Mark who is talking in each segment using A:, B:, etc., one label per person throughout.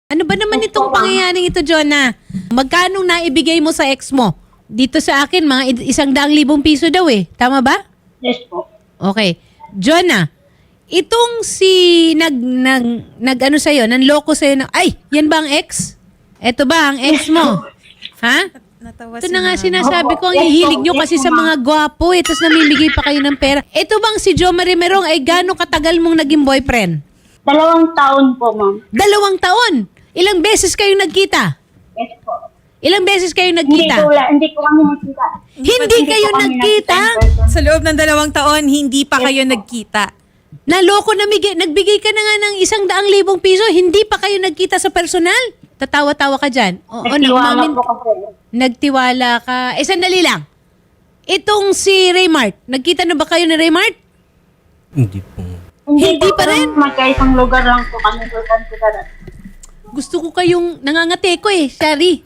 A: Ano ba naman itong pangyayaring ito, Jonah? Magkano naibigay mo sa ex mo? Dito sa akin, mga 100,000 piso daw eh. Tama ba?
B: Yes po.
A: Okay. Jonah, itong si nag-ano sa'yo, nanloko sa'yo na, ay, yan ba ang ex? Ito ba ang ex mo? Ha?
C: Natawa
A: Ito
C: si
A: na nga
C: mama.
A: sinasabi ko, ang
B: Yes,
A: hihilig nyo
B: yes,
A: kasi sa
B: ma'am.
A: mga gwapo eh, tapos namimigay pa kayo ng pera. Ito bang si Jo Marie Merong ay gano'ng katagal mong naging boyfriend?
B: 2 taon po, ma'am.
A: 2 taon. Ilang beses kayo nagkita?
B: Yes po.
A: Ilang beses kayo
B: Hindi
A: nagkita?
B: ko kami nakita.
A: Hindi kayo
B: po kami
A: nagkita?
B: nakita in person.
C: Sa loob ng 2 taon, hindi pa kayo nagkita.
A: Naloko nagbigay ka na nga ng 100,000 piso, hindi pa kayo nagkita sa personal? Tatawa-tawa ka dyan.
B: Nagtiwala po kasi.
A: Nagtiwala ka. Sandali lang. Itong si Raymart, nagkita na ba kayo ni Raymart?
D: Hindi po.
A: Hindi pa rin?
B: Magkaisang lugar lang po kami sa Considerat.
A: Gusto ko kayong nangangate ko eh, Shari.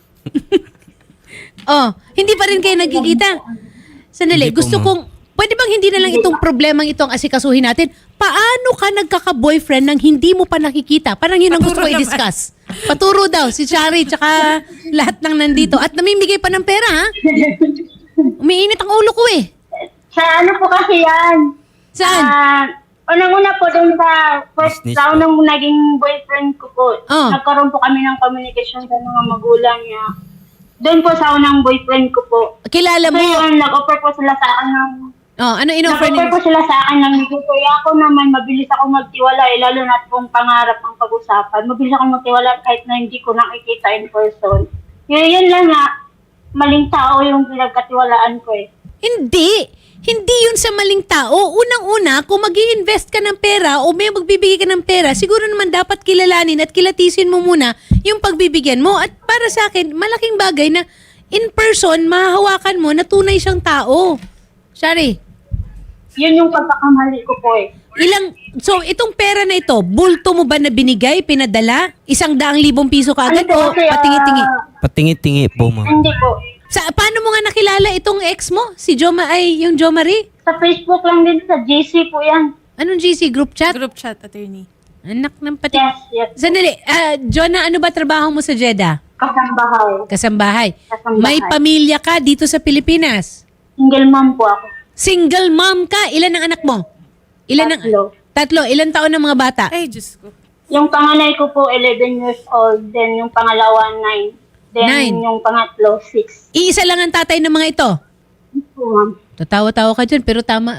A: Hindi pa rin kayo nagkikita. Sandali,
D: Hindi po,
A: gusto
D: ma'am.
A: kong, pwede bang hindi na lang itong problemang itong asikasuhin natin? Paano ka nagkaka-boyfriend nang hindi mo pa nakikita? Parang yun ang gusto ko
C: Paturo naman.
A: i-discuss. Paturo daw, si Shari, tsaka lahat ng nandito. At namimigay pa ng pera, ha? Umiinit ang ulo ko eh.
B: Sa ano po kasi yan?
A: Saan?
B: Unang-una po dun sa first
D: Business
B: round
D: po.
B: ng naging boyfriend ko po.
A: Oh.
B: Nagkaroon po kami ng communication sa mga magulang niya. Doon po sa unang boyfriend ko po.
A: Kilala
B: So
A: mo?
B: yun, nag-offer po sila sa akin ng...
A: Ano in-offer
B: Nag-offer
A: ni...
B: po sila sa akin ng kaya ako naman mabilis ako magtiwala lalo na kung pangarap ang pag-usapan. Mabilis ako magtiwala kahit na hindi ko nakikita in person. Yun lang nga, maling tao yung pinagkatiwalaan ko eh.
A: Hindi. Hindi yun sa maling tao. Unang-una, kung mag invest ka ng pera o may magbibigay ka ng pera, siguro naman dapat kilalanin at kilatisin mo muna yung pagbibigyan mo. At para sa akin, malaking bagay na in person, mahahawakan mo na tunay siyang tao. Shari,
B: Yun yung pagkakamali ko po eh.
A: so itong pera na ito, bulto mo ba na binigay, pinadala? 100,000 piso ka agad
B: Ano po
A: o
B: kasi,
A: patingi-tingi?
D: Patingi-tingi po, ma'am.
B: Hindi po.
A: Paano mo nga nakilala itong ex mo? Si yung Jo Marie?
B: Sa Facebook lang din, sa GC po yan.
A: Anong GC? Group chat?
C: Group chat, attorney.
A: Anak ng pati.
B: Yes.
A: Sandali, Jonah, ano ba trabaho mo sa Jeddah?
B: Kasambahay.
A: Kasambahay.
B: Kasambahay.
A: May pamilya ka dito sa Pilipinas.
B: Single mom po ako.
A: Single mom ka. Ilan ang anak mo?
B: Tatlo.
A: Tatlo. Ilan taon ng mga bata?
C: Ay, Diyos ko.
B: Yung panganay ko po, 11 years old. Then yung pangalawa, 9. Then
A: 9.
B: yung pangatlo, 6.
A: Iisa lang ang tatay ng mga ito.
B: Po, ma'am.
A: Tatawa-tawa ka dyan, pero tama,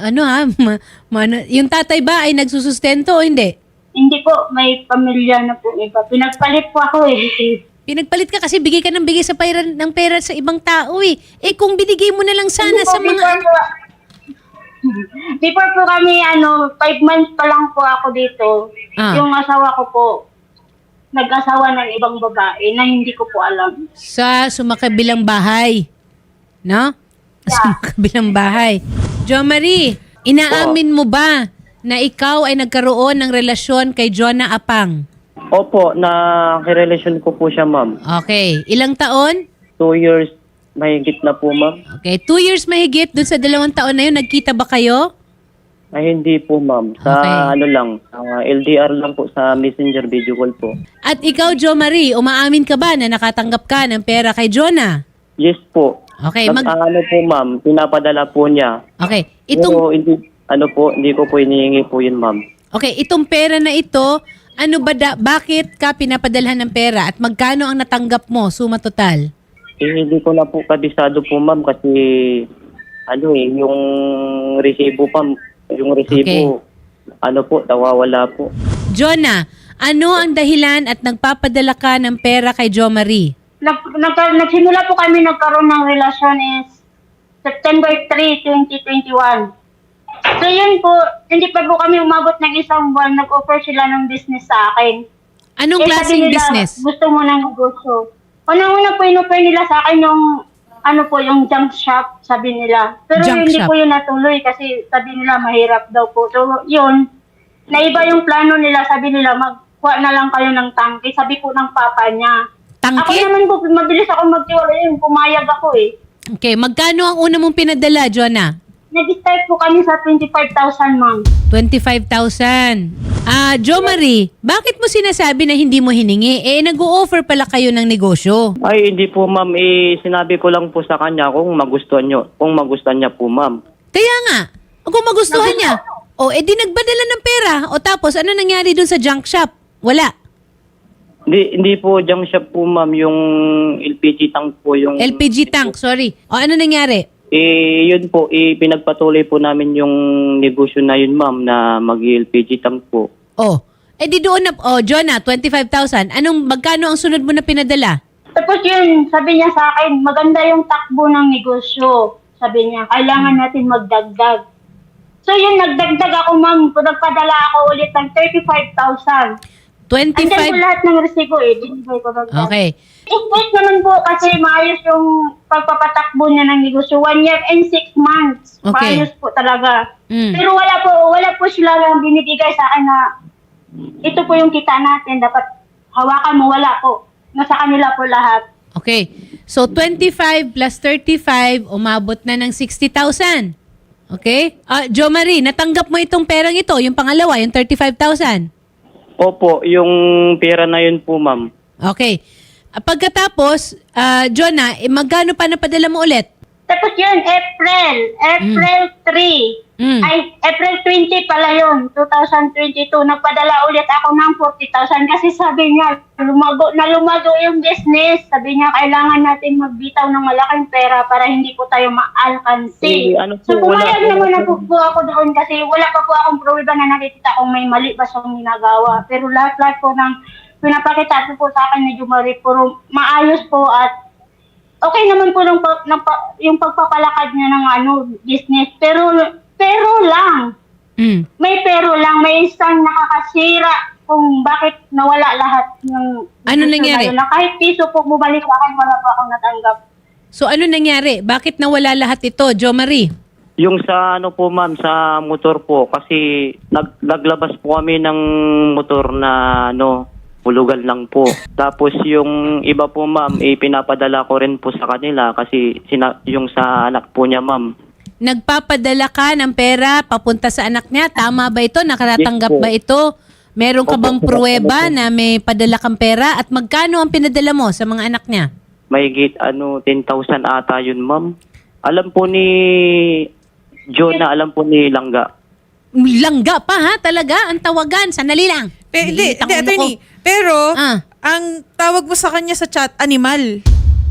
A: yung tatay ba ay nagsusustento o hindi?
B: Hindi po, may pamilya na po iba. Pinagpalit po ako eh.
A: Pinagpalit ka kasi bigay ka ng bigay sa ng pera sa ibang tao eh. Eh kung binigay mo na lang sana
B: Hindi po,
A: sa mga...
B: Before po kami, 5 months pa lang po ako dito.
A: Ah.
B: Yung asawa ko po, nag-asawa ng ibang babae na hindi ko po alam.
A: Sa sumakabilang bahay. No? Sumakabilang bahay. Jo Marie, inaamin mo ba na ikaw ay nagkaroon ng relasyon kay Jonah Apang?
E: Opo, nakirelasyon ko po siya, ma'am.
A: Okay. Ilang taon?
E: 2 years mahigit na po, ma'am.
A: Okay. 2 years mahigit. Doon sa 2 taon na yun, nagkita ba kayo?
E: Ay, hindi po, ma'am. Sa
A: Okay.
E: LDR lang po, sa messenger video call po.
A: At ikaw, Jo Marie, umaamin ka ba na nakatanggap ka ng pera kay Jonah?
E: Yes po.
A: Okay.
E: Ano po, ma'am, pinapadala po niya.
A: Okay.
E: Pero hindi ko po inihingi po yun, ma'am.
A: Okay, itong pera na ito, bakit ka pinapadalhan ng pera at magkano ang natanggap mo, suma total?
E: Hindi ko na po kabisado po, ma'am, kasi yung resibo pa, yung resibo, nawawala po.
A: Jonah, ano ang dahilan at nagpapadala ka ng pera kay Jo Marie?
B: Nagsimula po kami nagkaroon ng relasyon is September 3, 2021. So yun po, hindi pa po kami umabot ng isang buwan, nag-offer sila ng business sa akin.
A: Anong
B: Sabi
A: klaseng
B: nila,
A: business?
B: Gusto mo ng negosyo. Unang-una po in-offer nila sa akin yung yung junk shop, sabi nila. Pero
A: Junk
B: hindi
A: shop.
B: po yun natuloy kasi sabi nila mahirap daw po. So yun, naiba yung plano nila, sabi nila magkuha na lang kayo ng tangke, sabi po ng papa niya. Ako
A: Tangke?
B: naman po, mabilis ako magtiwala yun, pumayag ako eh.
A: Okay, magkano ang una mong pinadala, Jonah?
B: nag-start po kami sa 25,000, ma'am.
A: 25,000. Jo Marie, bakit mo sinasabi na hindi mo hiningi? Nag-o-offer pala kayo ng negosyo.
E: Ay, hindi po ma'am. Sinabi ko lang po sa kanya kung magustuhan niya po ma'am.
A: Kaya nga, kung magustuhan niya, di nagpadala ng pera. O tapos, ano nangyari dun sa junk shop? Wala.
E: Hindi po junk shop po ma'am. Yung LPG tank po yung...
A: LPG tank, sorry. O ano nangyari?
E: Yun po, pinagpatuloy po namin yung negosyo na yun, ma'am, na mag-LPG tank po.
A: Di doon na, Jonah, 25,000. Magkano ang sunod mo na pinadala?
B: Tapos yun, sabi niya sa akin, maganda yung takbo ng negosyo. Sabi niya, kailangan natin magdagdag. So yun, nagdagdag ako, ma'am. Nagpadala ako ulit ng 35,000.
A: 25.
B: Andyan po lahat ng resibo binigay ko dagdag.
A: Okay.
B: Wait naman po kasi maayos yung pagpapatakbo niya ng negosyo. 1 year and 6 months.
A: Okay.
B: Maayos po talaga.
A: Mm.
B: Pero wala po sila lang binibigay sa akin na ito po yung kita natin. Dapat hawakan mo, wala po. Nasa kanila po lahat.
A: Okay. So, 25 plus 35, umabot na ng 60,000. Okay? Jo Marie, natanggap mo itong perang ito, yung pangalawa, yung 35,000.
E: Opo, yung pera na yun po, ma'am.
A: Okay. Pagkatapos, Jonah, magkano pa napadala mo ulit?
B: Tapos yun, April 3.
A: Mm.
B: Ay, April 20 pala yun, 2022. Nagpadala ulit ako ng 40,000 kasi sabi niya, lumago yung business. Sabi niya, kailangan natin magbitaw ng malaking pera para hindi po tayo maalkansi. So, pumayag naman na po ako doon kasi wala pa po akong pruweba na nakikita kung may mali ba siyang ginagawa. Pero lahat po ng pinapakita po sa akin ni Jumari, puro maayos po at okay naman po yung pagpapalakad niya ng business. Pero lang.
A: Mm.
B: May pero lang. May isang nakakasira kung bakit nawala lahat ng...
A: Ano nangyari?
B: Na kahit piso po bumalik sa akin, wala pa akong natanggap.
A: So, ano nangyari? Bakit nawala lahat ito, Jo Marie?
E: Yung sa po, ma'am, sa motor po. Kasi naglabas po kami ng motor na hulugan lang po. Tapos yung iba po, ma'am, pinapadala ko rin po sa kanila kasi yung sa anak po niya, ma'am.
A: Nagpapadala ka ng pera papunta sa anak niya. Tama ba ito? Nakaratanggap
E: Yes po.
A: ba ito? Meron ka bang pruweba na may padala kang pera? At magkano ang pinadala mo sa mga anak niya?
E: Mahigit 10,000 ata yun, ma'am. Alam po ni Jonah, alam po ni Langga.
A: Langga pa ha? Talaga? Ang tawagan? Sanali lang.
C: Hindi,
A: Nililitang ulo ko.
C: attorney. Pero,
A: Ah.
C: ang tawag mo sa kanya sa chat, animal.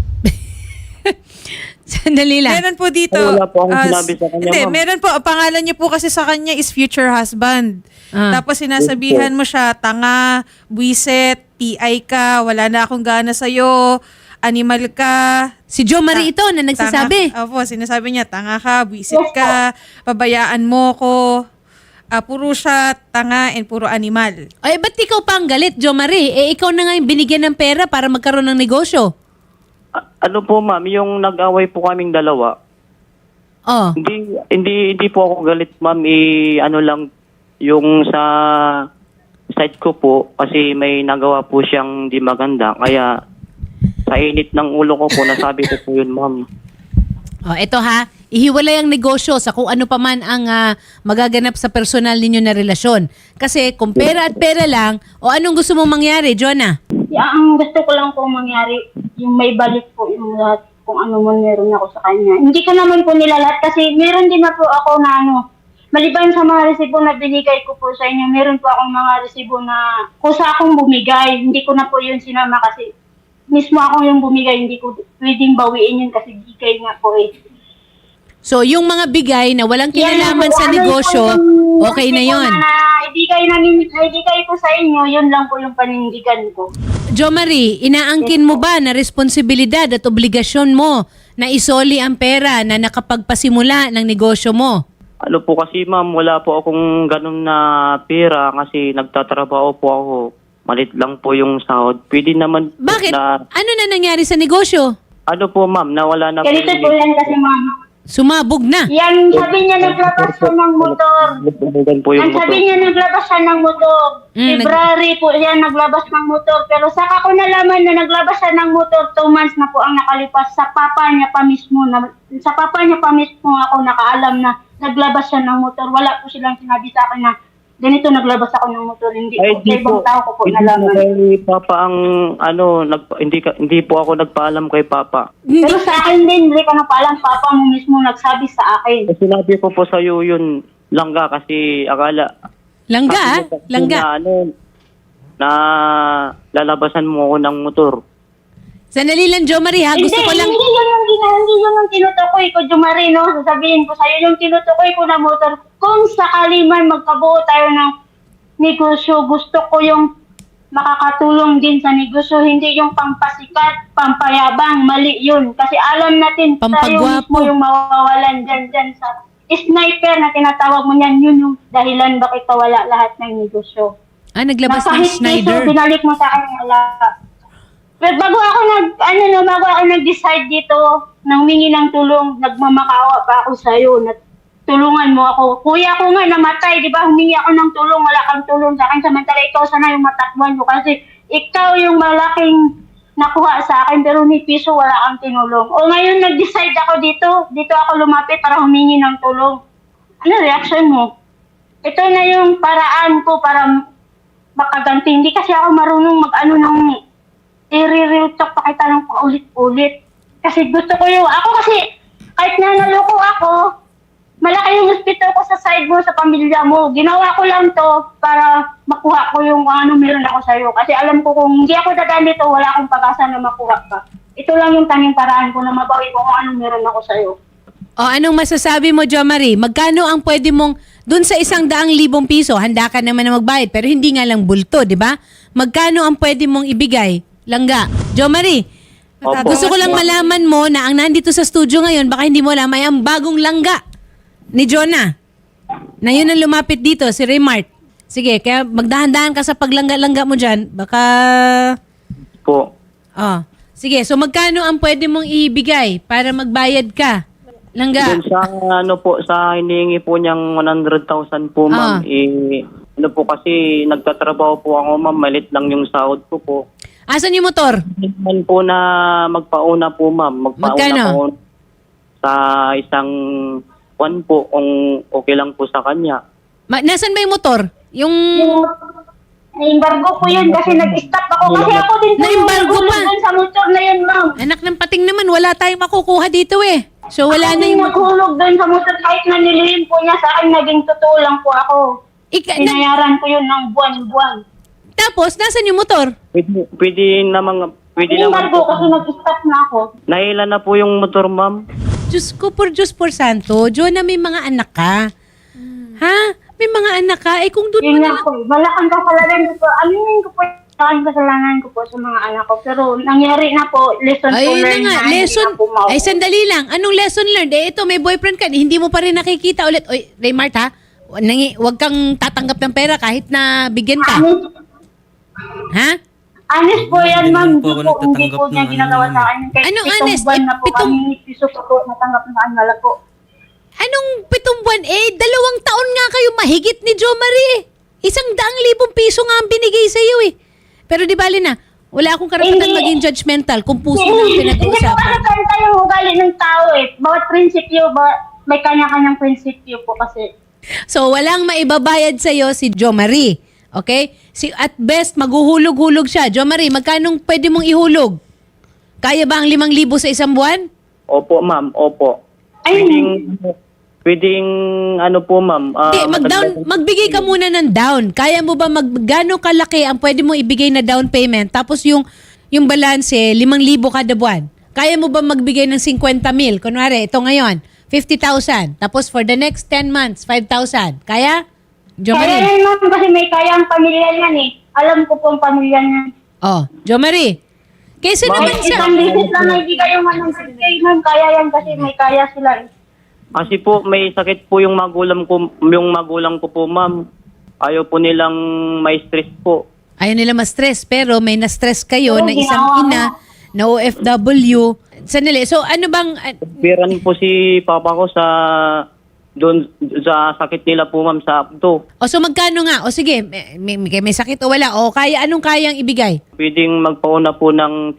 A: Sandali lang.
C: Meron po dito.
E: Ay, wala po akong sinabi sa kanya,
C: Hindi,
E: ma'am.
C: meron po. Ang pangalan niyo po kasi sa kanya is future husband. Tapos sinasabihan mo siya, tanga, buwiset, PI ka, wala na akong gana sa'yo, animal ka.
A: Si Jo Marie ito na nagsasabi.
C: Opo, sinasabi niya, tanga ka, buwisit ka, pabayaan mo ko. Puro siya tanga and puro animal.
A: Ay, ba't ikaw pa ang galit, Jo Marie? Ikaw na nga yung binigyan ng pera para magkaroon ng negosyo.
E: Ano po, ma'am, yung nag-away po kaming dalawa,
A: Oh.
E: hindi po ako galit, ma'am. Lang, yung sa side ko po, kasi may nagawa po siyang di maganda. Kaya, sa init ng ulo ko po, nasabi ko po yun, ma'am.
A: Oh, eto ha. Ihiwalay ang negosyo sa kung ano pa man ang magaganap sa personal ninyo na relasyon. Kasi kung pera at pera lang, anong gusto mong mangyari, Jonah?
B: Ang gusto ko lang po mangyari, yung may balik po yung lahat, kung ano man meron ako sa kanya. Hindi ko naman po nilalat kasi meron din na po ako na maliban sa mga resibo na binigay ko po sa inyo, meron po akong mga resibo na kusa akong bumigay. Hindi ko na po yun sinama kasi mismo ako yung bumigay, hindi ko pwedeng bawiin yun kasi bigay nga po
A: So, yung mga bigay na walang kinalaman sa negosyo, okay na yon.
B: Ibigay ko sa inyo, yun lang po yung panindigan ko.
A: Jo Marie, inaangkin mo ba na responsibilidad at obligasyon mo na isoli ang pera na nakapagpasimula ng negosyo mo?
E: Ano po kasi, ma'am, wala po akong ganun na pera kasi nagtatrabaho po ako. Malit lang po yung sahod. Pwede naman po
A: Bakit?
E: na...
A: Ano na nangyari sa negosyo?
E: Ano po, ma'am, nawala na
B: Ganito po yan kasi ma'am.
A: Sumabog na.
B: Yan, sabi niya naglabas siya ng motor.
E: Bubulugan po yung
B: Ang sabi
E: motor.
B: niya naglabas siya ng motor. February po yan naglabas ng motor. Pero saka ko nalaman na naglabas siya ng motor, 2 months na po ang nakalipas. Sa papa niya pa mismo ako nakaalam na naglabas siya ng motor. Wala po silang sinabi sa akin na ganito naglabas ako ng motor. Hindi po. Sa ibang tao ko po
E: Hindi
B: nalaman.
E: po kay Papa ang hindi po ako nagpaalam kay Papa.
B: Pero sa akin din, hindi ko na paalam. Papa mo mismo nagsabi sa akin.
E: Sinabi ko po sa iyo yun, Langga, kasi akala
A: Langga,
E: sabi
A: ah?
E: mo kasi
A: Langga.
E: na lalabasan mo ako ng motor.
A: Sandali lang, Jo Marie, ha? Gusto ko lang...
B: Hindi yun yung tinutukoy ko, Jumarino. Sasabihin ko sa'yo, yung tinutukoy ko na motor, kung sakali man magkabuo tayo ng negosyo, gusto ko yung makakatulong din sa negosyo, hindi yung pampasikat, pampayabang, mali yun. Kasi alam natin, tayo
A: Pampagwapo.
B: mismo yung mawawalan dyan sa sniper na tinatawag mo niyan, yun yung dahilan bakit wala lahat ng negosyo.
A: Ah, naglabas ng
B: Napahit
A: Schneider.
B: piso, binalik mo sa akin, wala. Pero bago ako nag-decide dito, nang humingi ng tulong, nagmamakaawa pa ako sa'yo, na tulungan mo ako. Kuya ko nga namatay, di ba? Humingi ako ng tulong, wala kang tulong sa akin. Samantala ikaw sana yung matakbuhan mo kasi ikaw yung malaking nakuha sa akin pero ni piso wala kang tinulong. O ngayon nag-decide ako dito ako lumapit para humingi ng tulong. Ano reaction mo? Ito na yung paraan ko para makaganti. Hindi kasi ako marunong mag-ano ng i-real talk pa kita ng paulit-ulit. Kasi gusto ko ako kasi kahit na naloko ako, malaki yung hospital ko sa side mo, sa pamilya mo. Ginawa ko lang to para makuha ko yung ano meron ako sa'yo. Kasi alam ko kung hindi ako dadaan dito, wala akong pag-asa na makuha ka. Ito lang yung tanging paraan ko na mabawi ko kung ano meron ako sa'yo.
A: O, anong masasabi mo, Jo Marie? Magkano ang pwede mong... Dun sa 100,000 piso, handa ka naman na magbayad, pero hindi nga lang bulto, di ba? Magkano ang pwede mong ibigay? Langga. Jo Marie,
E: Opo.
A: gusto ko lang malaman mo na ang nandito sa studio ngayon, baka hindi mo alam, ay ang bagong langga ni Jonah. Na yun ang lumapit dito, si Raymart. Sige, kaya magdahan-dahan ka sa paglangga-langga mo dyan. Baka...
E: Po.
A: Oh. Sige, so magkano ang pwede mong ibigay para magbayad ka? Langga.
E: Dun sa sa hinihingi po niyang 100,000 po, ma'am. Po kasi nagtatrabaho po ako, ma'am. Malit lang yung sahod ko po.
A: Asan yung motor?
E: Hindi po na magpauna po, ma'am. Magpauna
A: Magkano?
E: po sa isang one po kung okay lang po sa kanya.
A: Nasaan ba yung motor? Yung...
B: Na-embargo ko yun kasi nag-stop ako. Kasi ako din po
A: Na-embargo
B: yung
A: pa?
B: dun sa motor na yun, ma'am.
A: Anak ng pating naman, wala tayong makukuha dito eh. So wala na yung...
B: naghulog doon sa motor kahit na nilihim po niya sa akin, naging totoo lang po ako. Pinayaran ko yun ng buwan-buwan.
A: Tapos, nasan yung motor?
E: Pwede naman
B: Embargo
E: po.
B: kasi nag-stop na ako.
E: Naila na po yung motor, ma'am.
A: Diyos por santo. Jonah, may mga anak ka. Ha? May mga anak ka? Eh kung doon mo
B: Yun
A: na
B: nga po. Malakang kasalanan ko po. Aminin ko po yung kasalanan ko po sa mga anak ko. Pero nangyari na po, lesson to
A: Ayun na
B: learn
A: nga,
B: na.
A: lesson.
B: Hindi na po mauwi.
A: Ay, sandali lang. Anong lesson learned? Eh, ito, may boyfriend ka. Hindi mo pa rin nakikita ulit. Oy, Raymart, ha? Huwag kang tatanggap ng pera kahit na bigyan ka. Ha?
B: Honest po yan, ma'am.
D: Hindi po ako
B: Hindi po
D: nagtatanggap
B: niya
D: ng
B: ginagawa
D: ano
B: sa akin. Kahit
A: Anong
B: 7
A: honest?
B: buwan
A: Eh,
B: na po
A: pitong-
B: kami piso ko po natanggap na wala po.
A: Anong 7 buwan? Eh, 2 taon nga kayo mahigit ni Jo Marie. 100,000 piso nga ang binigay sa iyo eh. Pero di bali na, wala akong karapatan
B: Hindi.
A: maging judgmental kung puso lang
B: Hindi ko
A: pinag-uusapan.
B: kasi tayo yung ugali ng tao eh. Bawat prinsipyo, may kanya-kanyang prinsipyo po kasi.
A: So, walang maibabayad sa iyo si Jo Marie. Okay? At best, maghuhulog-hulog siya. Jo Marie, magkano pwede mong ihulog? Kaya ba ang 5,000 sa isang buwan?
E: Opo, ma'am. Opo.
B: Ay,
E: Pwedeng ano po, ma'am.
A: Hindi, magbigay ka muna ng down. Kaya mo ba gano'ng kalaki ang pwede mong ibigay na down payment? Tapos yung balance, 5,000 kada buwan. Kaya mo ba magbigay ng 50,000? Kunwari, ito ngayon, 50,000. Tapos for the next 10 months, 5,000. Kaya? Jo
B: kaya
A: Marie?
B: yan ma'am kasi may kaya ang pamilya niyan eh. Alam ko po ang pamilya niyan.
A: Oh, Jo Marie. Kaysa naman
B: Kahit
A: sa...
B: isang bisis lang na ibigay yung 100K ma'am, kaya yan kasi may kaya sila eh.
E: Kasi po may sakit po yung magulang ko po, ma'am. Ayaw po nilang may stress po.
A: Ayaw nila ma-stress, pero may na-stress kayo
B: Oo,
A: na isang
B: ginawa
A: ina na OFW. Sandali, so ano bang...
E: Piran po si papa ko sa sakit nila po, ma'am, sa abdo.
A: O so magkano nga? O sige, may sakit o wala? O kaya, anong kayang ibigay?
E: Pwedeng magpauna po ng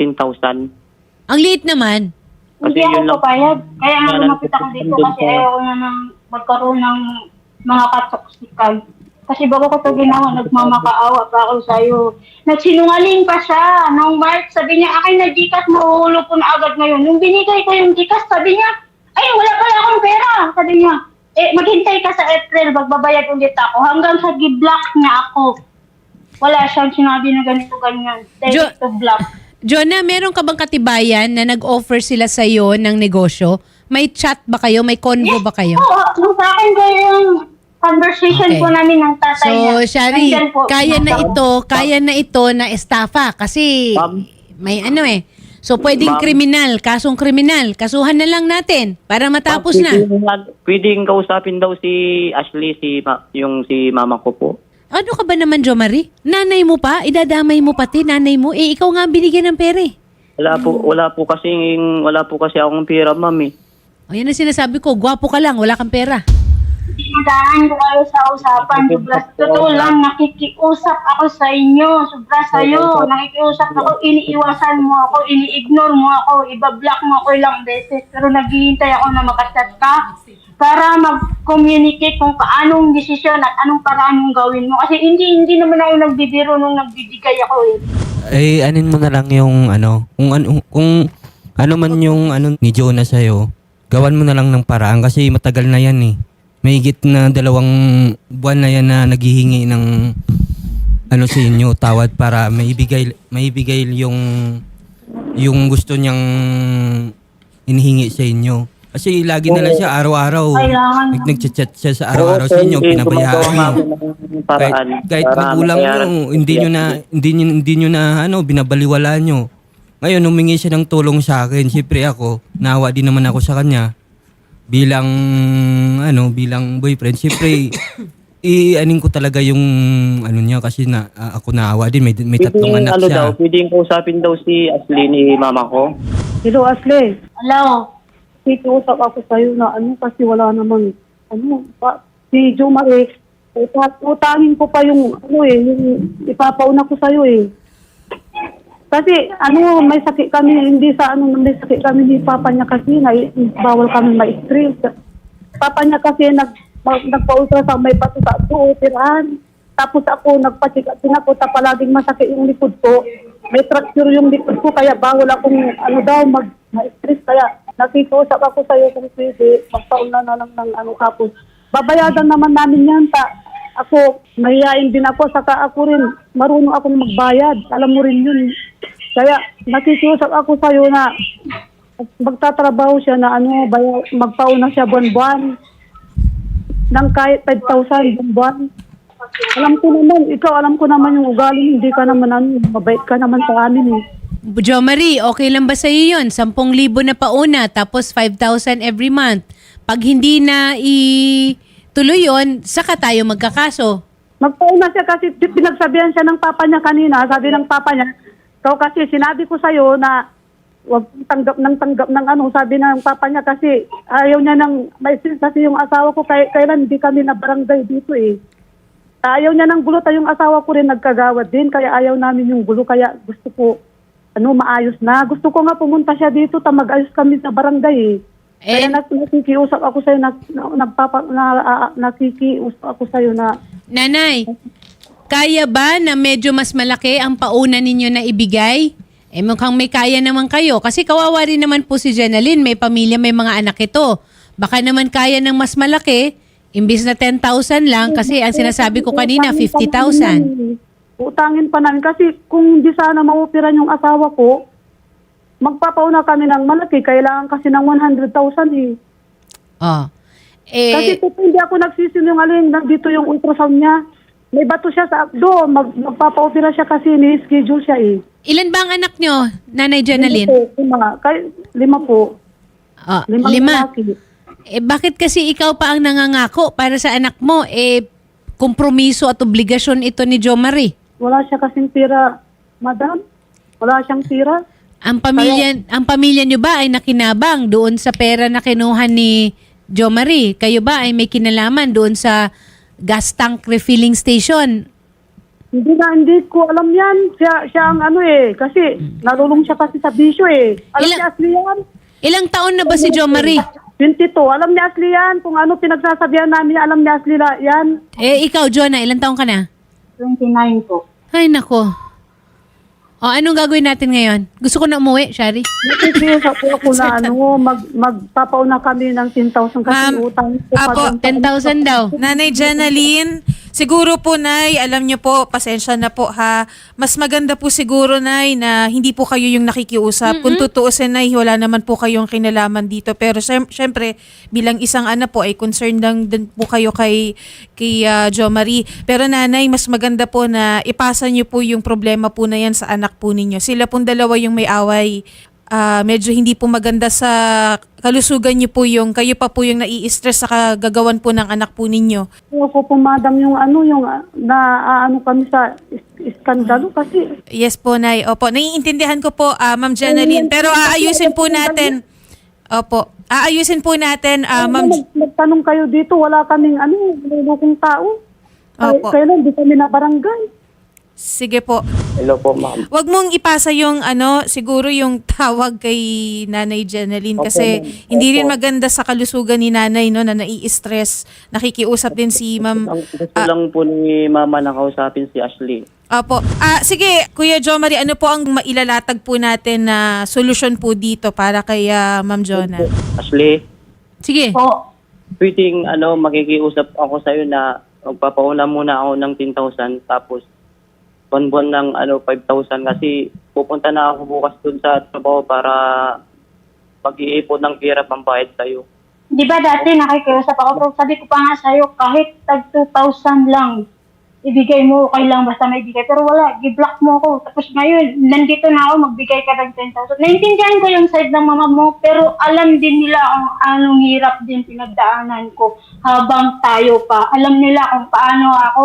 E: 10,000.
A: Ang liit naman.
E: Kasi
B: Hindi
E: yun
B: ako
E: lang.
B: papayag. Kaya nga
E: Yan ang
B: lumapit ako dito
E: doon
B: kasi
E: sa-
B: ayaw ko na ng magkaroon ng mga katoksikan. Kasi bago ko ito ginawa, nagmamakaawa pa ako sa'yo. Nagsinungaling pa siya. Nung March, sabi niya, akin na Gcash, mahuhulog ko na agad ngayon. Nung binigay ko yung Gcash, sabi niya, ay, wala pala akong pera. Sabi niya, maghintay ka sa April, magbabayad ulit ako. Hanggang sa gi-block niya ako. Wala siyang sinabi na ganito, ganyan. Direct to block.
A: Jonah, meron ka bang katibayan na nag-offer sila sa'yo ng negosyo? May chat ba kayo? May convo ba kayo?
B: Oo, nung sa akin ko yung conversation
A: Okay.
B: po namin ng tatay niya.
A: So, Shari,
B: Nandyan po.
A: kaya na ito na estafa kasi
E: Ma'am?
A: may ano eh. So, pwedeng
E: Ma'am?
A: kriminal, kasong kriminal. Kasuhan na lang natin para matapos na.
E: Pwedeng kausapin daw si Ashley, si mama ko po.
A: Ano ka ba naman, Jo Marie? Nanay mo pa? Idadamay mo pati nanay mo? Eh, ikaw nga ang binigyan ng pera eh.
E: Wala po kasi akong pera, ma'am eh.
A: O, yan ang sinasabi ko. Gwapo ka lang, wala kang pera.
B: Daan ko kayo sa usapan. Sobra, totoo lang, nakikiusap ako sa inyo. Sobra sa'yo. Nakikiusap ako, iniiwasan mo ako, ini-ignore mo ako, ibablock mo ako ilang beses. Pero naghihintay ako na makachat ka para mag-communicate kung paanong desisyon at anong paraan yung gawin mo. Kasi hindi naman ako nagbibiro nung nagbibigay ako eh.
D: Eh, anin mo na lang yung kung ano man yung ni Jonah sa'yo, gawan mo na lang ng paraan kasi matagal na yan eh. Mahigit na 2 buwan na yan na naghihingi ng sa inyo, tawad para maibigay yung gusto niyang inihingi sa inyo. Kasi lagi na lang siya araw-araw.
B: Kailangan.
D: Nagchat-chat siya sa araw-araw sa inyo, pinabayaan niyo. Kahit magulang nyo, hindi nyo na binabaliwala nyo. Ngayon, humingi siya ng tulong sa akin. Siyempre ako, naawa din naman ako sa kanya. Bilang boyfriend. Siyempre, i-anin ko talaga yung niya kasi ako naawa din. May 3 anak siya.
E: Pwedeng kausapin daw si Ashley ni mama ko.
F: Hello, Ashley.
B: Hello?
F: Kikiusap ako sa'yo na kasi wala namang, si Jo Marie, utangin ko pa yung, yung ipapauna ko sa'yo eh. Kasi, may sakit kami, may sakit kami ni Papa niya kasi, bawal kami ma-stress. Papa niya kasi, nagpa-ultrasound, may pato sa operahan. Tapos ako, nagpa-check up din ako, palaging masakit yung likod ko. May fracture yung likod ko, kaya bawal akong, ma-stress, kaya, nakikiusap ako sa'yo kung pwede, magpauna na lang ng kapos. Babayadan naman namin yan. Ako, mahihain din ako, saka ako rin, marunong akong magbayad. Alam mo rin yun. Kaya, nakikiusap ako sa'yo na magtatrabaho siya na magpauna siya buwan-buwan ng kahit 5,000 buwan. Alam ko naman yung ugali, hindi ka naman mabait ka naman sa amin eh.
A: Jo Marie, okay lang ba sa'yo yun? 10,000 na pauna, tapos 5,000 every month. Pag hindi na ituloy yun, saka tayo magkakaso.
F: Magpauna siya kasi pinagsabihan siya ng papa niya kanina. Sabi ng papa niya, kasi sinabi ko sa'yo na huwag tanggap ng sabi ng papa niya kasi ayaw niya kasi yung asawa ko kailan hindi kami na barangay dito eh. Ayaw niya ng gulo, yung asawa ko rin nagkagawad din, kaya ayaw namin yung gulo, kaya gusto ko maayos na. Gusto ko nga pumunta siya dito, mag-ayos kami sa barangay eh. Kaya nakikiusap ako sa'yo, nakikiusap ako sa'yo na...
A: Nanay, kaya ba na medyo mas malaki ang pauna ninyo na ibigay? Eh mukhang may kaya naman kayo. Kasi kawawa rin naman po si Jenaline, may pamilya, may mga anak ito. Baka naman kaya ng mas malaki, imbis na 10,000 lang, kasi ang sinasabi ko kanina, 50,000.
F: Utangin pa namin kasi kung di sana maupiran yung asawa ko, magpapauna kami ng malaki. Kailangan kasi ng 100,000 eh. Kasi hindi ako nagsisinungaling, nandito yung ultrasound niya. May bato siya sa abdo, magpapaupira siya kasi ni-schedule siya eh.
A: Ilan ba ang anak nyo, Nanay Jenaline?
F: 5 po. 5 lalaki.
A: Bakit kasi ikaw pa ang nangangako para sa anak mo? Kompromiso at obligasyon ito ni Jo Marie.
F: Wala siya kasing tira, madam. Wala siyang tira.
A: Ang pamilya niyo ba ay nakinabang doon sa pera na kinuha ni Jo Marie? Kayo ba ay may kinalaman doon sa gas tank refilling station?
F: Hindi ko alam yan. Siya ang kasi nalulong siya kasi sa bisyo eh. Alam niya, Ashley yan.
A: Ilang taon na ba si Jo Marie?
F: 22. Alam ni Ashley yan. Kung ano pinagsasabihan namin, alam ni Ashley yan.
A: Ikaw, Jonah, ilang taong ka na?
B: 29 po.
A: Ay, nako. O, anong gagawin natin ngayon? Gusto ko na umuwi, Shari.
F: Nakikiusap po ako na magpapauna kami ng 10,000 kasi
C: Ma'am,
F: utang.
C: apo,
A: 10,000 daw.
C: Nanay Jenaline, siguro po, Nay, alam niyo po, pasensya na po ha. Mas maganda po siguro, Nay, na hindi po kayo yung nakikiusap. Kung tutuusin, Nay, wala naman po kayong kinalaman dito. Pero syempre, bilang isang anak po, ay concerned lang din po kayo kay Jo Marie. Pero Nanay, mas maganda po na ipasa niyo po yung problema po na yan sa anak po ninyo. Sila pong dalawa yung may away. Medyo hindi po maganda sa kalusugan niyo po yung, kayo pa po yung nai-stress sa kagagawan po ng anak po ninyo.
F: Ako po, madam, yung kami sa iskandalo kasi.
C: Yes po, Nay. Opo, naiintindihan ko po, Ma'am Jenaline. Pero aayusin po natin. Opo, aayusin po natin, Ma'am.
F: Nagtanong kayo dito, wala kaming nilulukong tao.
C: Opo.
F: Kailan di kami na barangay.
C: Sige po.
E: Hello po, ma'am.
C: Wag mong ipasa yung siguro yung tawag kay Nanay Jenaline kasi hindi rin maganda sa kalusugan ni Nanay no na nai-stress. Nakikiusap din si Ma'am.
E: Gusto lang po ni Mama na kausapin si Ashley.
C: Opo. Sige, Kuya Jo Marie, ano po ang mailalatag po natin na solusyon po dito para kay Ma'am Jonah?
E: Ashley,
A: Sige.
B: Po.
E: pwedeng makikiusap ako sa'yo na magpapauna muna ako ng 10,000 tapos buwan-buwan ng 5,000 kasi pupunta na ako bukas dun sa trabaho para pag-iipon ng pera pambayad sa'yo.
B: Di ba dati nakikiusap ako, pero sabi ko pa nga sa'yo, kahit tag 2,000 lang, ibigay mo, okay lang, basta may bigay. Pero wala, i-block mo ako. Tapos ngayon, nandito na ako, magbigay ka ng 10,000. Naintindihan ko yung side ng mama mo, pero alam din nila kung anong hirap din pinagdaanan ko habang tayo pa. Alam nila kung paano ako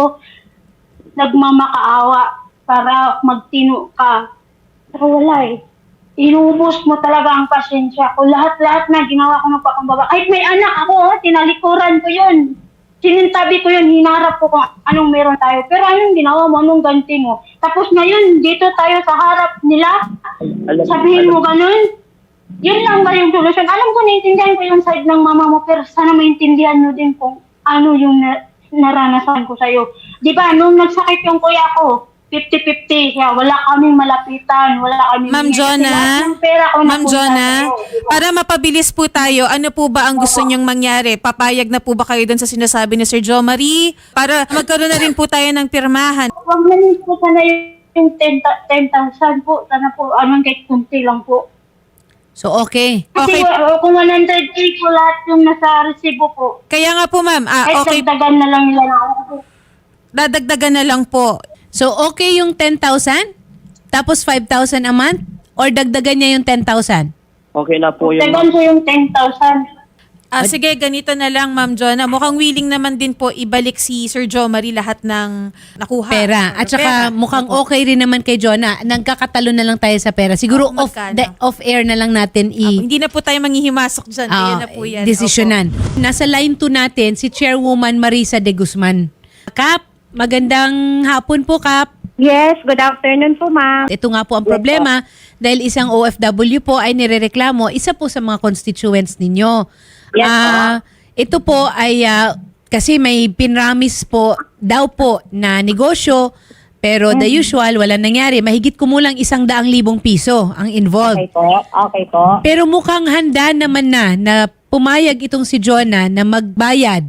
B: nagmamakaawa para magtino ka. Pero wala eh. Inubos mo talaga ang pasensya ko. Lahat-lahat na ginawa ko ng pakumbaba. Kahit may anak ako, tinalikuran ko yun. Sinintabi ko yun, hinarap ko kung anong meron tayo. Pero anong ginawa mo, anong ganti mo? Tapos ngayon, dito tayo sa harap nila, sabihin mo ganun. Yun lang ba yung solusyon? Alam ko, naintindihan ko yung side ng mama mo, pero sana maintindihan nyo din kung ano yung naranasan ko sa'yo. Di ba, nung nagsakit yung kuya ko, 50-50 siya. Wala kaming malapitan. Wala kaming...
C: Ma'am Jonah, Ma'am Jonah, para mapabilis po tayo, ano po ba ang gusto niyong mangyari? Papayag na po ba kayo dun sa sinasabi ni Sir Jo Marie? Para magkaroon na rin po tayo ng pirmahan.
B: Huwag na rin po sana yung 10,000 po. Sana po, kahit kunti lang po.
A: So, okay.
B: Kasi
C: Okay.
B: kung 100K po lahat yung nasa resibo po,
C: Kaya nga po, ma'am.
B: kahit
C: Okay,
B: dagdagan na lang nila na ako.
C: dadagdagan na lang po.
A: So, okay yung 10,000? Tapos 5,000 a month? Or dagdagan niya yung 10,000?
E: Okay na po yung...
B: Dagdagan ko yung 10,000.
C: Sige, ganito na lang, Ma'am Jonah. Mukhang willing naman din po ibalik si Sir Jo Marie lahat ng nakuha.
A: Pera. At saka mukhang okay rin naman kay Jonah. Nagkakatalo na lang tayo sa pera. Siguro
C: Magkano?
A: off-air na lang natin
C: Hindi na po tayo manghihimasok dyan. Kaya na po yan.
A: desisyonan. Nasa line 2 natin si Chairwoman Marisa de Guzman. Kap, magandang hapon po, Kap.
G: Yes, good afternoon po, ma'am.
A: Ito nga po ang problema dahil isang OFW po ay nirereklamo, isa po sa mga constituents ninyo.
G: Yes,
A: Ito po ay kasi may pinramis po daw po na negosyo pero the usual, wala nangyari. Mahigit kumulang 100,000 piso ang involved.
G: Okay po, okay po.
A: Pero mukhang handa naman na pumayag itong si Jonah na magbayad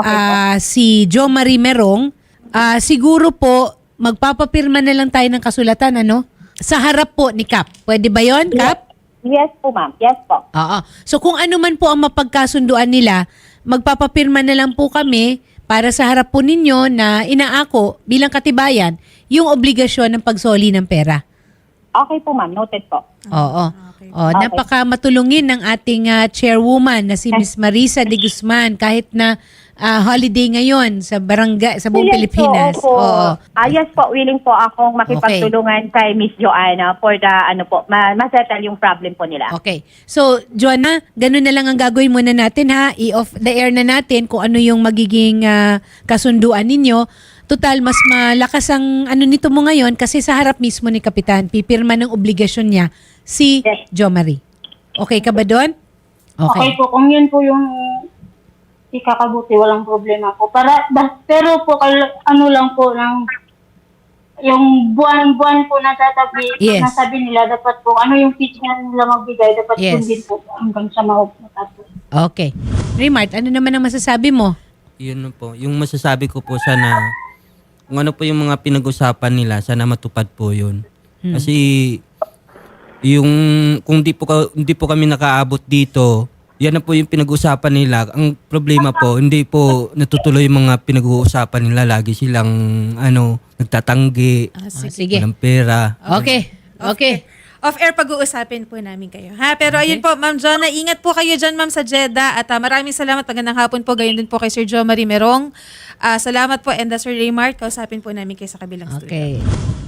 A: si Jo Marie Merong. Siguro po, magpapapirma na lang tayo ng kasulatan, ano? Sa harap po ni Kap. Pwede ba yon, Kap?
G: Yes po, ma'am. Yes po.
A: Oo. So kung ano man po ang mapagkasunduan nila, magpapapirma na lang po kami para sa harap po ninyo na inaako bilang katibayan yung obligasyon ng pagsoli ng pera.
G: Okay po, ma'am. Noted po.
A: Oo. Napaka matulungin ng ating chairwoman na si Miss Marisa de Guzman kahit na holiday ngayon sa barangay sa buong
G: Yes
A: Pilipinas.
G: Po, opo.
A: Oo.
G: Yes po, willing po akong makipagtulungan kay Miss Joanna for the ma-settle yung problem po nila.
A: Okay. So, Joanna, ganun na lang ang gagawin muna natin ha. I-off the air na natin kung ano yung magiging kasunduan ninyo. Total, mas malakas ang nito mo ngayon kasi sa harap mismo ni Kapitan, pipirma ng obligasyon niya si
G: Yes.
A: Jo Marie. Okay ka ba doon?
B: Okay po, kung yun po yung ikakabuti, walang problema po. Pero po, ano lang po, yung buwan-buwan po natatabi,
A: Yes.
B: nasabi nila, dapat po, ano yung pitch na nila magbigay, dapat
A: Yes.
B: yun din po hanggang sa matapos.
A: Okay. Raymart, ano naman ang masasabi mo?
D: Yun po. Yung masasabi ko po sana, kung ano po yung mga pinag-usapan nila, sana matupad po yun. Kasi yung kung di po kami nakaabot dito, yan na po yung pinag-usapan nila. Ang problema po, hindi po natutuloy yung mga pinag-uusapan nila. Lagi silang nagtatanggi,
A: Sige.
D: walang pera.
A: Okay. Okay.
C: Off-air pag-uusapin po namin kayo. Ha? Pero ayun po, Ma'am Jonna, ingat po kayo dyan, Ma'am, sa Jeddah. At maraming salamat. Magandang hapon po. Gayon din po kay Sir Jo Marie Merong. Salamat po. And Sir Raymart, kausapin po namin kayo sa kabilang studio.
A: Okay.